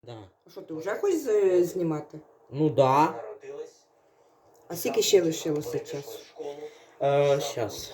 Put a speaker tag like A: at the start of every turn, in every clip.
A: Да.
B: А що, ти вже хочеш знімати?
A: Ну да.
B: А скільки ще лишилося часу?
A: Щас.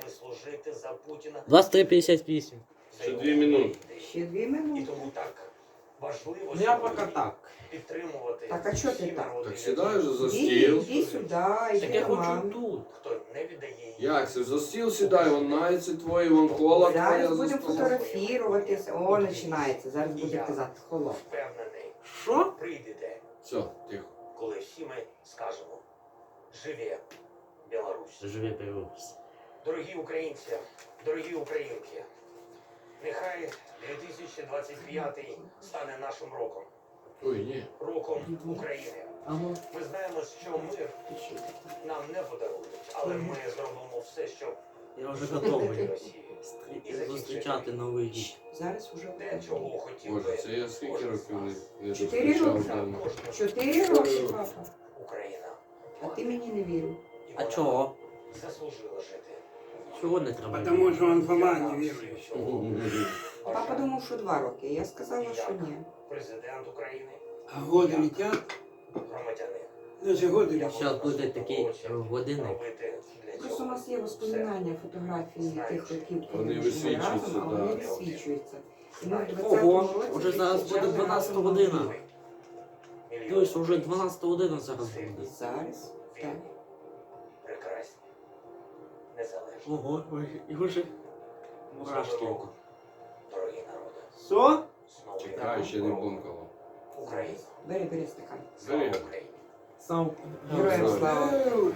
A: 23:58.
C: Ще 2 минути.
B: Ще 2 минути.
A: Ну я пока так.
B: Так, а чого ти так?
C: Так сідай вже за
B: Іди,
C: стіл.
B: іди сюди,
A: Так
B: іди
A: я
B: до
A: хочу
B: мами.
A: тут.
C: Як це? За стіл сідай, вон найці твої, вон кола твоя
B: Зараз
C: за
B: будемо
C: столом.
B: фотографуватися. О, починається. Зараз буде казати холод.
A: Що?
C: Все, тихо.
D: Коли всі ми скажемо «Живе Білорусь».
A: Живе Білорусь.
D: Дорогі українці, дорогі українки, нехай 2025 стане нашим роком.
C: Ой, ні.
D: Роком України.
A: Алло.
D: Ми знаємо, що мир нам не подарують, але ми зробимо все, щоб
A: Я вже
D: зупинити
A: готовий
D: Росію.
A: зустрічати Новий рік.
B: Зараз уже
D: Те, чого хотів
C: Боже,
D: би
C: це я скільки
D: кожен з
C: років
D: нас.
C: не
B: 4
C: зустрічав
B: роки.
C: вдома.
B: 4 роки, папа.
D: Україна.
B: А ти мені не вірив.
D: І
A: А
D: вона
A: чого?
D: заслужила жити.
A: Чого не треба?
E: Потому что он Фома не верующий.
B: Папа думав, що 2 роки. Я сказала, що ні.
D: Президент України,
E: А годы летят,
D: громадяни.
E: даже годы летят.
A: Зараз буде такий годинник.
D: Робити для
B: Просто у
D: цього
B: нас є воспоминання, фотографії тих років, коли
C: Вони
B: ми жили
C: висвічуються,
B: разом, а вони
C: да.
B: висвічуються. І ми в 20-му
A: Ого,
B: році
A: уже зараз буде
B: зустрічали
A: 12
B: разом
A: година.
B: Новий рік.
A: Тобто вже 12 година зараз буде.
B: Зараз, так.
D: вільні, прекрасні, незалежні.
A: Ого, і вже
D: З
A: мурашки.
D: Новим роком, дорогі народи.
A: Що?
D: З Новим
C: Чекай, ще не
D: роком,
C: бумкало.
D: Україна.
B: Бери стакан.
D: Слава
C: Бери.
D: Україні.
A: Сам.
B: Героям
C: Слава.
B: слава.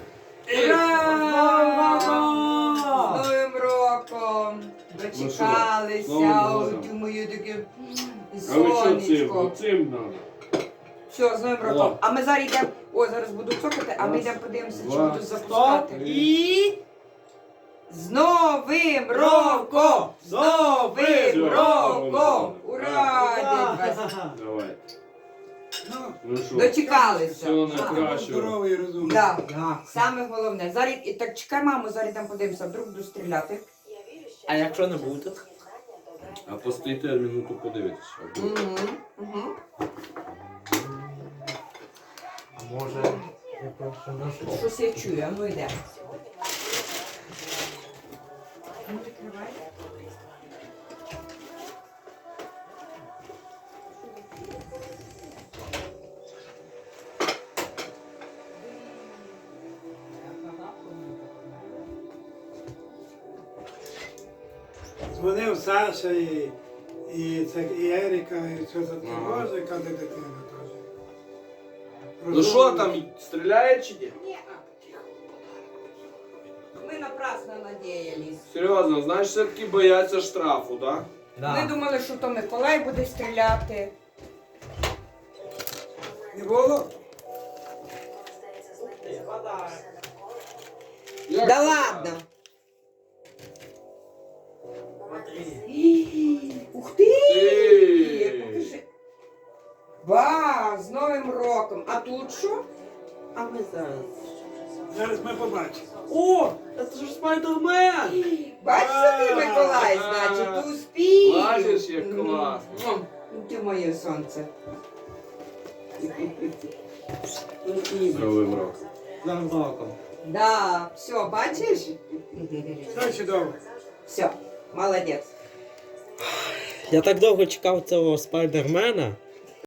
A: Ура!
B: З Новим роком! Дочекалися,
C: Новим
B: ой,
C: годом.
B: мою таке
C: А ви що цим?
B: сонечко.
C: Оцим надо.
B: Все, з Новим роком.
C: О.
B: А ми зараз йдемо, ой, зараз буду цокати, а ми
C: Раз,
B: йдемо подивимося, чи
C: два,
B: будуть запускати.
A: І...
B: З Новим роком! З Новим
C: Все,
B: роком!
C: Новим
B: Ура! День вас!
C: Давай.
E: Ну,
C: Ну що?
B: Дочекалися.
C: Всього
B: А,
C: найкращого.
E: здоровый и разумный.
B: Да.
A: Да.
B: Саме головне. Зараз і так чекай, маму, зараз там подивимося, вдруг буду стріляти.
A: А якщо не буде?
C: А постійте минуту подивитися.
B: Угу.
A: А може... Я просто не
B: Щось я чую, а ну йде. Ну, відкривай.
E: Дзвонив Саша і Еріка, і все за тривожі, коли дитина теж.
C: Ну що там, стріляє чи ні?
B: Ні. Ми напрасно надіялись.
C: Серйозно, знаєш, все-таки бояться штрафу, так?
B: Ми думали, що то Миколай буде стріляти.
E: Не було?
C: Як
B: Да
C: це
B: ладно.
C: так?
B: Ух ти!
C: Ти!
B: Покажи. Ба, з Новим роком. А тут що?
A: А ми зараз...
E: Зараз ми побачимо.
A: О, це ж Спайдермен!
B: Бачиш, що ти Миколай, значить, ти успіх.
C: Бачиш, як класно.
B: Ну, ти моє сонце.
C: З Новим роком.
A: За роком.
B: Да, все, бачиш?
E: Все чудово.
B: Все, молодець.
A: Я так довго чекав цього Спайдермена.